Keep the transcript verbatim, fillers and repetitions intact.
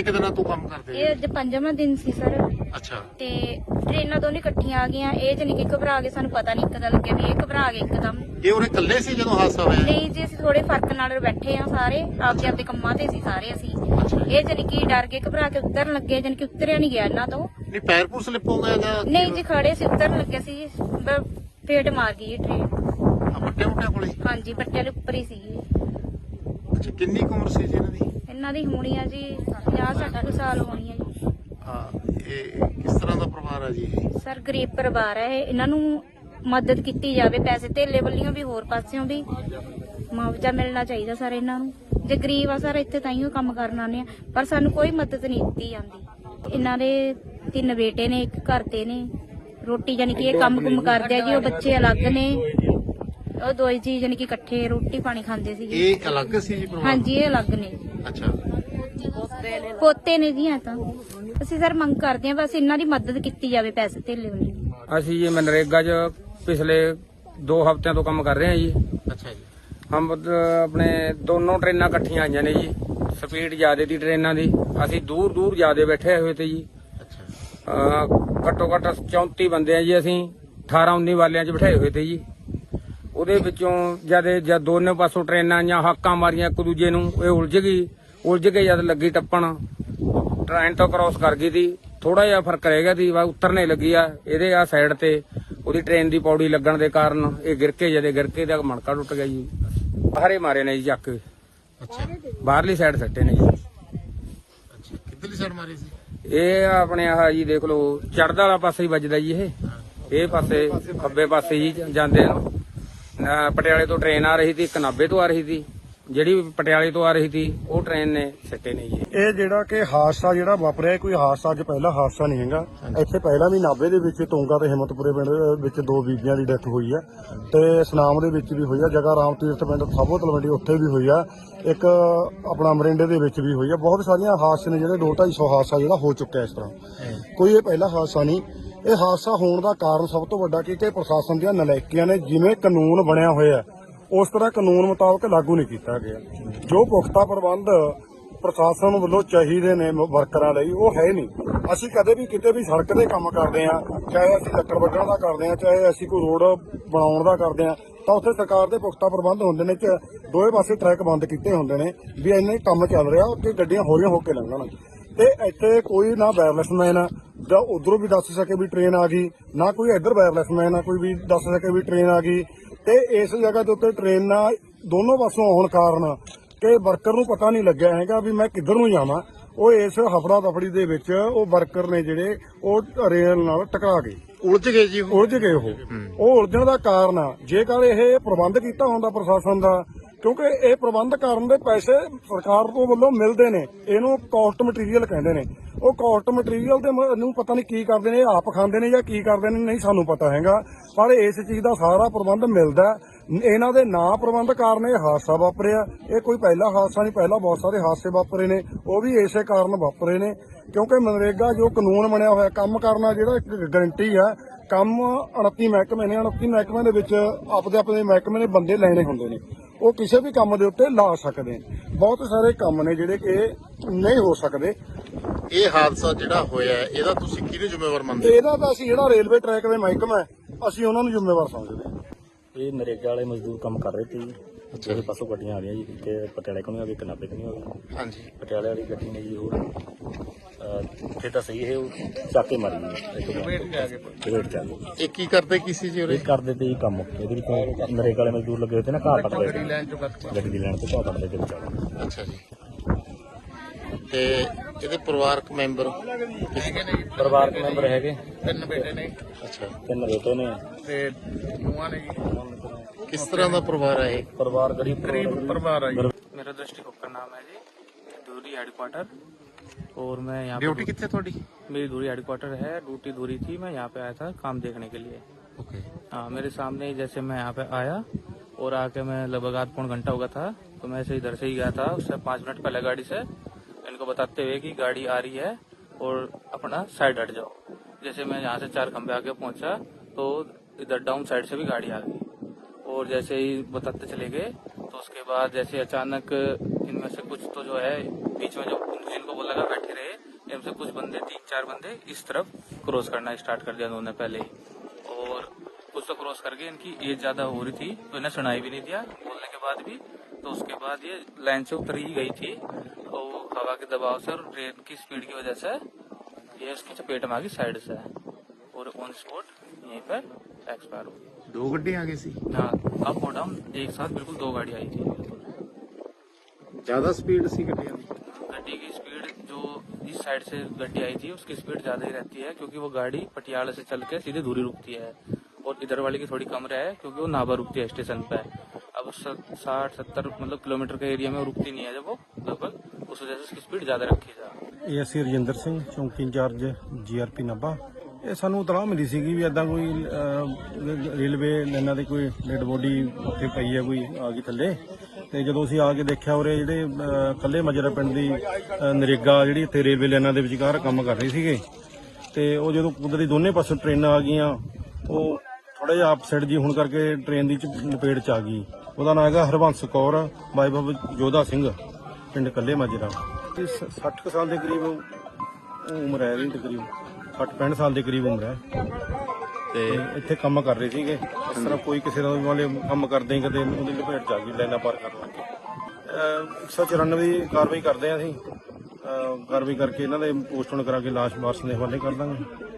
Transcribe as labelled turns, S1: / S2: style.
S1: ਕ ਦਿਨਾਂ ਤੋਂ ਕੰਮ ਕਰਦੇ
S2: ਇਹ ਅੱਜ ਪੰਜਵਾਂ ਦਿਨ ਸੀ ਸਰ।
S1: ਅੱਛਾ।
S2: ਤੇ ਟ੍ਰੇਨਾਂ ਦੋਨੇ ਇਕੱਠੀਆਂ ਆ ਗਈਆਂ, ਇਹ ਜਾਨੀ ਕਿ ਘਬਰਾ ਗਏ, ਸਾਨੂੰ ਪਤਾ ਨਹੀਂ ਇੱਕਦਮ ਲੱਗਿਆ ਵੀ ਇਹ ਘਬਰਾ ਗਏ ਇੱਕਦਮ।
S1: ਇਹ ਉਹਨੇ ਇਕੱਲੇ ਸੀ ਜਦੋਂ ਹਾਦਸਾ ਹੋਇਆ?
S2: ਨਹੀਂ ਜੀ, ਅਸੀਂ ਥੋੜੇ ਫਰਕ ਨਾਲ ਬੈਠੇ ਆ, ਸਾਰੇ ਆਪਦੇ ਆਪਦੇ ਕੰਮਾਂ ਤੇ ਸੀ ਸਾਰੇ ਅਸੀਂ। ਇਹ ਜਾਨੀ ਕਿ ਡਰ ਕੇ ਘਬਰਾ ਕੇ ਉਤਰਨ ਲੱਗੇ, ਜਾਨੀ ਕਿ ਉਤਰਿਆ ਨਹੀਂ ਗਿਆ ਇਹਨਾਂ ਤੋਂ।
S1: ਨਹੀਂ ਪੈਰ ਪੂਰ ਸਲਿੱਪ ਹੋ ਗਿਆ ਜਾਂ?
S2: ਨਹੀਂ ਜੀ, ਖੜੇ ਸੀ, ਉਤਰਨ ਲੱਗੇ ਸੀ, ਫੇਟ ਮਾਰ ਗਈ ਇਹ ਟ੍ਰੇਨ।
S1: ਵੱਡੇ ਵੱਡੇ ਕੋਲੇ?
S2: ਹਾਂਜੀ, ਬੱਟੇ ਦੇ ਉੱਪਰ ਹੀ ਸੀਗੀ।
S1: ਅੱਛਾ, ਕਿੰਨੀ ਕੁ ਉਮਰ ਸੀ ਜੀ ਇਹਨਾਂ ਦੀ?
S2: ਇਹਨਾਂ ਦੀ ਹੋਣੀ ਆ ਜੀ ਪੰਜਾਹ ਸੱਠ ਕੁ ਸਾਲ ਹੋਣੀ ਆ ਜੀ।
S1: ਹਾਂ, ਇਹ ਕਿਸ ਤਰ੍ਹਾਂ ਦਾ ਪਰਿਵਾਰ ਹੈ ਜੀ ਇਹ?
S2: ਸਰ ਗਰੀਬ ਪਰਿਵਾਰ ਹੈ ਇਹ, ਇਹਨਾਂ ਨੂੰ ਮਦਦ ਕੀਤੀ ਜਾਵੇ, ਪੈਸੇ ਧੇਲੇ ਵੱਲੋਂ ਵੀ ਹੋਰ ਪਾਸਿਓਂ ਵੀ ਮੁਆਵਜ਼ਾ ਮਿਲਣਾ ਚਾਹੀਦਾ ਸਰ ਇਹਨਾਂ ਨੂੰ। ਜੇ ਗਰੀਬ ਆ ਸਰ ਇੱਥੇ ਤਾਈਓ ਕੰਮ ਕਰਨ ਆਉਂਦੇ ਆ, ਪਰ ਸਾਨੂੰ ਕੋਈ ਮਦਦ ਨਹੀਂ ਦਿੱਤੀ ਜਾਂਦੀ। ਇਹਨਾਂ ਦੇ ਤਿੰਨ ਬੇਟੇ ਨੇ, ਇੱਕ ਘਰ ਤੇ ਨੇ, ਰੋਟੀ ਜਾਨੀ ਕਿ ਇਹ ਕੰਮ ਕੁਮ ਕਰਦੇ ਆ ਜੀ, ਉਹ ਬੱਚੇ ਅਲੱਗ ਨੇ, ਉਹ ਦੋਈ ਜੀ ਜਾਨੀ ਕਿ ਇਕੱਠੇ ਰੋਟੀ ਪਾਣੀ ਖਾਂਦੇ ਸੀ।
S1: ਇਹ ਅਲੱਗ ਸੀ ਜੀ ਪਰਿਵਾਰ?
S2: ਹਾਂਜੀ, ਇਹ ਅਲੱਗ ਨੇ।
S1: ਅੱਛਾ,
S2: ਪੋਤੇ ਨੇ ਜੀ। ਐ ਤਾਂ ਅਸੀਂ ਸਰ ਮੰਗ ਕਰਦੇ ਆ ਬਸ ਇਹਨਾਂ ਦੀ ਮਦਦ ਕੀਤੀ ਜਾਵੇ ਪੈਸੇ ਧੇਲੇ ਵੱਲੋਂ।
S3: ਅਸੀਂ ਜੀ ਮਨਰੇਗਾ 'ਚ ਪਿਛਲੇ ਦੋ ਹਫ਼ਤਿਆਂ ਤੋਂ ਕੰਮ ਕਰ ਰਹੇ ਹਾਂ ਜੀ।
S1: ਅੱਛਾ ਜੀ।
S3: ਹਮ ਆਪਣੇ ਦੋਨੋਂ ਟ੍ਰੇਨਾਂ ਇਕੱਠੀਆਂ ਆਈਆਂ ਨੇ ਜੀ, ਸਪੀਡ ਜ਼ਿਆਦੇ ਦੀ ਟ੍ਰੇਨਾਂ ਦੀ, ਅਸੀਂ ਦੂਰ ਦੂਰ ਜ਼ਿਆਦੇ ਬੈਠੇ ਹੋਏ ਤੇ ਜੀ।
S1: ਅੱਛਾ।
S3: ਘੱਟੋ ਘੱਟ ਚੌਂਤੀ ਬੰਦੇ ਆ ਜੀ, ਅਸੀਂ ਅਠਾਰਾਂ ਉੱਨੀ ਵਾਲਿਆਂ 'ਚ ਬਿਠਾਏ ਹੋਏ ਤੇ ਜੀ। ਉਹਦੇ ਵਿੱਚੋਂ ਜਦ ਜਦ ਦੋਨੇ ਪਾਸੋਂ ਟ੍ਰੇਨਾਂ ਜਾਂ ਹਾਕਾਂ ਮਾਰੀਆਂ ਇੱਕ ਦੂਜੇ ਨੂੰ, ਇਹ ਉਲਝ ਗਈ, ਉਲਝ ਕੇ ਜਦ ਲੱਗੀ ਟੱਪਣ, ਟ੍ਰੇਨ ਤੋਂ ਕ੍ਰਾਸ ਕਰ ਗਈ ਸੀ। ਥੋੜਾ ਜਿਹਾ ਫਰਕ ਰਹਿ ਗਿਆ ਸੀ, ਉਤਰਨੇ ਲੱਗੀ ਆ ਇਹਦੇ ਆ ਸਾਈਡ ਤੇ, ਉਹਦੀ ਟ੍ਰੇਨ ਦੀ ਪੌੜੀ ਲੱਗਣ ਦੇ ਕਾਰਨ ਇਹ ਗਿਰ ਕੇ, ਜਦੇ ਗਿਰ ਕੇ ਦਾ ਮਣਕਾ ਟੁੱਟ ਗਿਆ ਜੀ। ਬਾਹਰੇ ਮਾਰੇ ਨੇ ਜੀ ਚੱਕ ਕੇ।
S1: ਅੱਛਾ,
S3: ਬਾਹਰਲੀ ਸਾਈਡ ਸੱਟੇ ਨੇ ਜੀ।
S1: ਅੱਛਾ, ਕਿੱਧਰਲੀ ਸਾਈਡ ਮਾਰੀ ਸੀ?
S3: ਇਹ ਆਪਣੇ ਆਹ ਜੀ ਦੇਖ ਲਓ, ਚੜ੍ਹਦਾ ਵਾਲਾ ਪਾਸੇ ਹੀ ਵੱਜਦਾ ਜੀ। ਇਹ ਇਹ ਪਾਸੇ ਖੱਬੇ ਪਾਸੇ ਜੀ ਜਾਂਦੇ ਨੂੰ। ਪਟਿਆਲੇ ਤੋਂ ਟ੍ਰੇਨ ਆ ਰਹੀ ਸੀ, ਇੱਕ ਨਾਭੇ ਤੋਂ ਆ ਰਹੀ ਸੀ, ਜਿਹੜੀ ਪਟਿਆਲੇ ਤੋਂ ਆ ਰਹੀ ਸੀ ਉਹ ਟ੍ਰੇਨ ਨੇ ਸਿੱਟੇ ਨੇ ਜੀ।
S4: ਇਹ ਜਿਹੜਾ ਕਿ ਹਾਦਸਾ ਜਿਹੜਾ ਵਾਪਰਿਆ, ਕੋਈ ਹਾਦਸਾ ਅੱਜ ਪਹਿਲਾ ਹਾਦਸਾ ਨਹੀਂ ਹੈਗਾ। ਇੱਥੇ ਪਹਿਲਾਂ ਵੀ ਨਾਭੇ ਦੇ ਵਿੱਚ ਤੋਂਗਾ ਤੇ ਹਿੰਮਤਪੁਰੇ ਪਿੰਡ ਵਿੱਚ ਦੋ ਬੀਬੀਆਂ ਦੀ ਡੈਥ ਹੋਈ ਹੈ, ਤੇ ਸੁਨਾਮ ਦੇ ਵਿੱਚ ਵੀ ਹੋਈ ਆ, ਜਗਾ ਰਾਮ ਤੀਰਥ ਪਿੰਡ ਸਾਬੋ ਤਲਵੰਡੀ ਉੱਥੇ ਵੀ ਹੋਈ ਆ, ਇੱਕ ਆਪਣਾ ਮਰਿੰਡੇ ਦੇ ਵਿੱਚ ਵੀ ਹੋਈ ਆ। ਬਹੁਤ ਸਾਰੀਆਂ ਹਾਦਸੇ ਨੇ ਜਿਹੜੇ ਦੋ ਢਾਈ ਸੌ ਹਾਦਸਾ ਜਿਹੜਾ ਹੋ ਚੁੱਕਿਆ ਇਸ ਤਰ੍ਹਾਂ। ਕੋਈ ਇਹ ਪਹਿਲਾ ਹਾਦਸਾ ਨਹੀਂ। ਇਹ ਹਾਦਸਾ ਹੋਣ ਦਾ ਕਾਰਨ ਸਭ ਤੋਂ ਵੱਡਾ ਕਿ ਪ੍ਰਸ਼ਾਸਨ ਦੀਆਂ ਨਲਾਇਕੀਆਂ ਨੇ, ਜਿਵੇਂ ਕਾਨੂੰਨ ਬਣਿਆ ਹੋਇਆ ਉਸ ਤਰ੍ਹਾਂ ਕਾਨੂੰਨ ਮੁਤਾਬਕ ਲਾਗੂ ਨਹੀਂ ਕੀਤਾ ਗਿਆ। ਜੋ ਪੁਖਤਾ ਪ੍ਰਬੰਧ ਪ੍ਰਸ਼ਾਸਨ ਵੱਲੋਂ ਚਾਹੀਦੇ ਨੇ ਵਰਕਰਾਂ ਲਈ, ਉਹ ਹੈ ਨਹੀਂ। ਅਸੀਂ ਕਦੇ ਵੀ ਕਿਤੇ ਵੀ ਸੜਕ ਤੇ ਕੰਮ ਕਰਦੇ ਆ, ਚਾਹੇ ਅਸੀਂ ਲੱਕੜ ਵੱਢਣ ਦਾ ਕਰਦੇ ਆ, ਚਾਹੇ ਅਸੀਂ ਕੋਈ ਰੋਡ ਬਣਾਉਣ ਦਾ ਕਰਦੇ ਆ, ਤਾਂ ਉੱਥੇ ਸਰਕਾਰ ਦੇ ਪੁਖਤਾ ਪ੍ਰਬੰਧ ਹੁੰਦੇ ਨੇ ਕਿ ਦੋਵੇਂ ਪਾਸੇ ਟਰੈਕ ਬੰਦ ਕੀਤੇ ਹੁੰਦੇ ਨੇ ਵੀ ਇੰਨੇ ਕੰਮ ਚੱਲ ਰਿਹਾ, ਉੱਥੇ ਗੱਡੀਆਂ ਹੌਲੀਆਂ ਹੋ ਕੇ ਲੰਘਣ। ਤੇ ਇੱਥੇ ਕੋਈ ਨਾ ਵਾਇਰਲੈਸ ਮੈਨ ਜਾਂ ਉਧਰੋਂ ਵੀ ਦੱਸ ਸਕੇ ਵੀ ਟ੍ਰੇਨ ਆ ਗਈ, ਨਾ ਕੋਈ ਇੱਧਰ ਵਾਇਰਲੈਸ ਮੈਨ ਆ ਕੋਈ ਵੀ ਦੱਸ ਸਕੇ ਵੀ ਟ੍ਰੇਨ ਆ ਗਈ। ਤੇ ਇਸ ਜਗ੍ਹਾ ਦੇ ਉੱਤੇ ਟ੍ਰੇਨਾਂ ਦੋਨੋਂ ਪਾਸੋਂ ਆਉਣ ਕਾਰਨ ਕਿ ਵਰਕਰ ਨੂੰ ਪਤਾ ਨਹੀਂ ਲੱਗਿਆ ਹੈਗਾ ਵੀ ਮੈਂ ਕਿੱਧਰ ਨੂੰ ਜਾਵਾਂ। ਉਹ ਇਸ ਹਫੜਾ ਦਫੜੀ ਦੇ ਵਿੱਚ ਉਹ ਵਰਕਰ ਨੇ ਜਿਹੜੇ ਉਹ ਰੇਲ ਨਾਲ ਟਕਰਾ ਗਏ,
S1: ਉਲਝ ਗਏ ਜੀ।
S4: ਉਲਝ ਗਏ। ਉਹ ਉਹ ਉਲਝਣ ਦਾ ਕਾਰਨ ਆ, ਜੇਕਰ ਇਹ ਪ੍ਰਬੰਧ ਕੀਤਾ ਹੁੰਦਾ ਪ੍ਰਸ਼ਾਸਨ ਦਾ, ਕਿਉਂਕਿ ਇਹ ਪ੍ਰਬੰਧ ਕਰਨ ਦੇ ਪੈਸੇ ਸਰਕਾਰ ਤੋਂ ਵੱਲੋਂ ਮਿਲਦੇ ਨੇ, ਇਹਨੂੰ ਕਾਸਟ ਮਟੀਰੀਅਲ ਕਹਿੰਦੇ ਨੇ। ਉਹ ਕਾਸਟ ਮਟੀਰੀਅਲ ਦੇ ਨੂੰ ਪਤਾ ਨਹੀਂ ਕੀ ਕਰਦੇ ਨੇ, ਆਪ ਖਾਂਦੇ ਨੇ ਜਾਂ ਕੀ ਕਰਦੇ ਨੇ, ਨਹੀਂ ਸਾਨੂੰ ਪਤਾ ਹੈਗਾ। ਪਰ ਇਸ ਚੀਜ਼ ਦਾ ਸਾਰਾ ਪ੍ਰਬੰਧ ਮਿਲਦਾ। ਇਹਨਾਂ ਦੇ ਨਾ ਪ੍ਰਬੰਧ ਕਾਰਨ ਇਹ ਹਾਦਸਾ ਵਾਪਰਿਆ। ਇਹ ਕੋਈ ਪਹਿਲਾ ਹਾਦਸਾ ਨਹੀਂ, ਪਹਿਲਾਂ ਬਹੁਤ ਸਾਰੇ ਹਾਦਸੇ ਵਾਪਰੇ ਨੇ, ਉਹ ਵੀ ਇਸੇ ਕਾਰਨ ਵਾਪਰੇ ਨੇ। ਕਿਉਂਕਿ ਮਨਰੇਗਾ ਜੋ ਕਾਨੂੰਨ ਬਣਿਆ ਹੋਇਆ, ਕੰਮ ਕਰਨਾ ਜਿਹੜਾ ਇੱਕ ਗਰੰਟੀ ਆ, ਕੰਮ ਉਨੱਤੀ ਮਹਿਕਮੇ ਨੇ, ਉਨੱਤੀ ਮਹਿਕਮੇ ਦੇ ਵਿੱਚ ਆਪਦੇ ਆਪਣੇ ਮਹਿਕਮੇ ਨੇ ਬੰਦੇ ਲੈਣੇ ਹੁੰਦੇ ਨੇ, ਉਹ ਕਿਸੇ ਵੀ ਕੰਮ ਦੇ ਉੱਤੇ ਲਾ ਸਕਦੇ ਨੇ। ਬਹੁਤ ਸਾਰੇ ਕੰਮ ਨੇ ਜਿਹੜੇ ਕਿ ਨਹੀਂ ਹੋ ਸਕਦੇ।
S1: ਇਹ ਹਾਦਸਾ ਜਿਹੜਾ ਹੋਇਆ ਇਹਦਾ ਤੁਸੀਂ ਕਿਹਨੂੰ ਜ਼ਿੰਮੇਵਾਰ ਮੰਨਦੇ?
S4: ਇਹਦਾ ਤਾਂ ਅਸੀਂ ਜਿਹੜਾ ਰੇਲਵੇ ਟਰੈਕ ਦੇ ਮਹਿਕਮਾ ਅਸੀਂ ਉਹਨਾਂ ਨੂੰ ਜ਼ਿੰਮੇਵਾਰ ਸਮਝਦੇ ਹਾਂ।
S5: ਇਹ ਨਰੇਗਾ ਵਾਲੇ ਮਜ਼ਦੂਰ ਕੰਮ ਕਰ ਰਹੇ ਸੀ। ਜਿਹੜੇ ਪਾਸੋਂ ਗੱਡੀਆਂ ਆ ਰਹੀਆਂ ਜੀ, ਕਿ ਪਟਿਆਲੇ ਕੋਲ ਆ ਗਈ, ਇੱਕ ਨਾਭੇ ਕੋਲ ਆ ਗਈ।
S1: ਹਾਂਜੀ,
S5: ਪਟਿਆਲੇ ਵਾਲੀ ਗੱਡੀ ਨੇ ਜੀ ਉਹ ਫਿਰ ਤਾਂ ਸਹੀ ਹੈ, ਉਹ ਚੱਕ ਕੇ ਮਾਰੀ ਜੀ, ਵੇਟ ਚ ਆ ਗਏ।
S1: ਇਹ ਕੀ ਕਰਦੇ ਕੀ ਸੀ ਜੀ ਉਰੇ?
S5: ਇਹ ਕਰਦੇ ਤੇ ਜੀ ਕੰਮ, ਇਹਦੇ ਵਿੱਚ ਨਰੇਗਾ ਵਾਲੇ ਮਜ਼ਦੂਰ ਲੱਗੇ ਹੋਏ ਤੇ ਨਾ, ਘਾਹ ਪੱਟਦੇ ਗੱਡੀ ਦੀ ਲੈਣ ਤੋਂ ਘਾਹ ਪੱਟਦੇ ਤੇ ਵਿਚਾਲੇ।
S1: ਅੱਛਾ ਜੀ। ਤੇ ਇਹਦੇ ਪਰਿਵਾਰਕ ਮੈਂਬਰ?
S5: ਪਰਿਵਾਰਕ ਮੈਂਬਰ ਹੈਗੇ
S6: ਤਿੰਨ ਬੇਟੇ ਨੇ।
S1: ਅੱਛਾ,
S5: ਤਿੰਨ ਬੇਟੇ ਨੇ
S6: ਤੇ ਨੂੰਹਾਂ ਨੇ ਜੀ।
S1: ਕਿਸ ਤਰ੍ਹਾਂ ਦਾ ਪਰਿਵਾਰ ਹੈ ਇਹ?
S5: ਪਰਿਵਾਰ ਗਰੀਬ
S6: गरीब परिवार है।
S3: मेरा दृष्टिकोण का नाम है जी धूरी हेडक्वार्टर, और मैं यहाँ
S1: ड्यूटी कितने थोड़ी?
S3: मेरी धूरी हेडक्वार्टर है, ड्यूटी धूरी थी, मैं यहाँ पे आया था काम देखने के लिए।
S1: ओके।
S3: हाँ, मेरे सामने ही जैसे मैं यहाँ पे आया और आके मैं लगभग आध पौन घंटा हो गया था, तो मैं ऐसे इधर से ही गया था, उससे पाँच मिनट पहले गाड़ी से इनको बताते हुए कि गाड़ी आ रही है और अपना साइड हट जाओ। जैसे मैं यहाँ से चार खंबे आके पहुंचा तो इधर डाउन साइड से भी गाड़ी आ गई, और जैसे ही बताते चले गए तो उसके बाद जैसे अचानक इनमें से कुछ तो जो है बीच में जो जिनको बोला बैठे रहे,
S7: इनमें से कुछ बंदे तीन चार बंदे इस तरफ क्रॉस करना स्टार्ट कर दिया उन्होंने पहले ही, और कुछ तो क्रॉस करके इनकी एज ज्यादा हो रही थी तो इन्हें सुनाई भी नहीं दिया बोलने के बाद भी। तो उसके बाद ये लाइन से उतर ही गई थी और हवा के दबाव से और ट्रेन की स्पीड की वजह से ये उसकी चपेट में आ गई साइड से और ऑन स्पॉट यहीं पर एक्सपायर हो गई।
S1: दो गड्डियां आगे सी,
S7: हाँ, अप और डाउन एक साथ बिल्कुल दो गाड़ी आई थी बिल्कुल।
S1: ज्यादा स्पीड सी गड्डियां दी?
S7: गड्डी की स्पीड जो इस साइड से गड्डी आई थी उसकी स्पीड ज्यादा ही रहती है क्योंकि वो गाड़ी पटियाला से चल के सीधे दूरी रुकती है, और इधर वाली की थोड़ी कम है क्योंकि वो नाभा रुकती है स्टेशन पे। अब साठ सत्तर मतलब किलोमीटर के एरिया में वो रुकती नहीं है जब वो लगभग, उस वजह से उसकी स्पीड ज्यादा रखी जा।
S4: ਇਹ ਅਸੀਂ ਰਜਿੰਦਰ ਸਿੰਘ ਚੌਂਕੀ ਇੰਚਾਰਜ ਜੀਆਰਪੀ ਨਾਭਾ। ਇਹ ਸਾਨੂੰ ਇਤਲਾਹ ਮਿਲੀ ਸੀਗੀ ਵੀ ਇਦਾਂ ਕੋਈ ਅਹ, ਰੇਲਵੇ ਲਾਈਨਾਂ ਦੀ ਕੋਈ ਡੈਡ ਬੋਡੀ ਉੱਥੇ ਪਈ ਹੈ, ਕੋਈ ਆ ਗਈ ਥੱਲੇ। ਤੇ ਜਦੋਂ ਅਸੀਂ ਆ ਕੇ ਦੇਖਿਆ ਉਰੇ ਜਿਹੜੇ ਅਹ, ਕੱਲੇ ਮਜਰਾ ਪਿੰਡ ਦੀ ਅਹ, ਨਰੇਗਾ ਜਿਹੜੀ ਇੱਥੇ ਰੇਲਵੇ ਲਾਈਨਾਂ ਦੇ ਵਿਚਕਾਰ ਕੰਮ ਕਰ ਰਹੀ ਸੀਗੇ, ਤੇ ਉਹ ਜਦੋਂ ਕੁਦਰਤੀ ਦੋਨੇ ਪਾਸੋਂ ਟ੍ਰੇਨਾਂ ਆ ਗਈਆਂ ਉਹ ਥੋੜਾ ਜਿਹਾ ਆਪਸਾਈਡ ਜੀ ਹੋਣ ਕਰਕੇ ਟ੍ਰੇਨ ਦੀ ਲਪੇਟ ਚ ਆ ਗਈ। ਉਹਦਾ ਨਾਮ ਹੈਗਾ ਹਰਬੰਸ ਕੌਰ ਬਾਈ ਬਾਬਾ ਜੋਧਾ ਸਿੰਘ, ਪਿੰਡ ਕੱਲੇ ਮਾਜਰਾ। ਸੱਠ ਕੁ ਸਾਲ ਦੇ ਕਰੀਬ ਉਮਰ ਹੈ ਇਹਦੀ, ਤਕਰੀਬ ਸੱਠ ਪੈਂਹਠ ਸਾਲ ਦੇ ਕਰੀਬ ਉਮਰ ਹੈ। ਤੇ ਇੱਥੇ ਕੰਮ ਕਰ ਰਹੇ ਸੀਗੇ, ਇਸ ਤਰ੍ਹਾਂ ਕੋਈ ਕਿਸੇ ਦਾ ਵਾਲੇ ਕੰਮ ਕਰਦੇ ਹੀ ਕਦੇ ਉਹਦੀ ਲਪੇਟ ਚ ਆ ਗਈ ਲਾਈਨਾਂ ਪਾਰ ਕਰਨ ਲੱਗੇ। ਇੱਕ ਸੌ ਚੁਰਾਨਵੇਂ ਦੀ ਕਾਰਵਾਈ ਕਰਦੇ ਹਾਂ ਅਸੀਂ, ਅਹ ਕਾਰਵਾਈ ਕਰਕੇ ਇਹਨਾਂ ਦੇ ਪੋਸਟਮਾਰਟਮ ਕਰਾ ਕੇ ਲਾਸ਼ ਵਾਰਸ ਦੇ ਹਵਾਲੇ ਕਰ ਦਾਂਗੇ।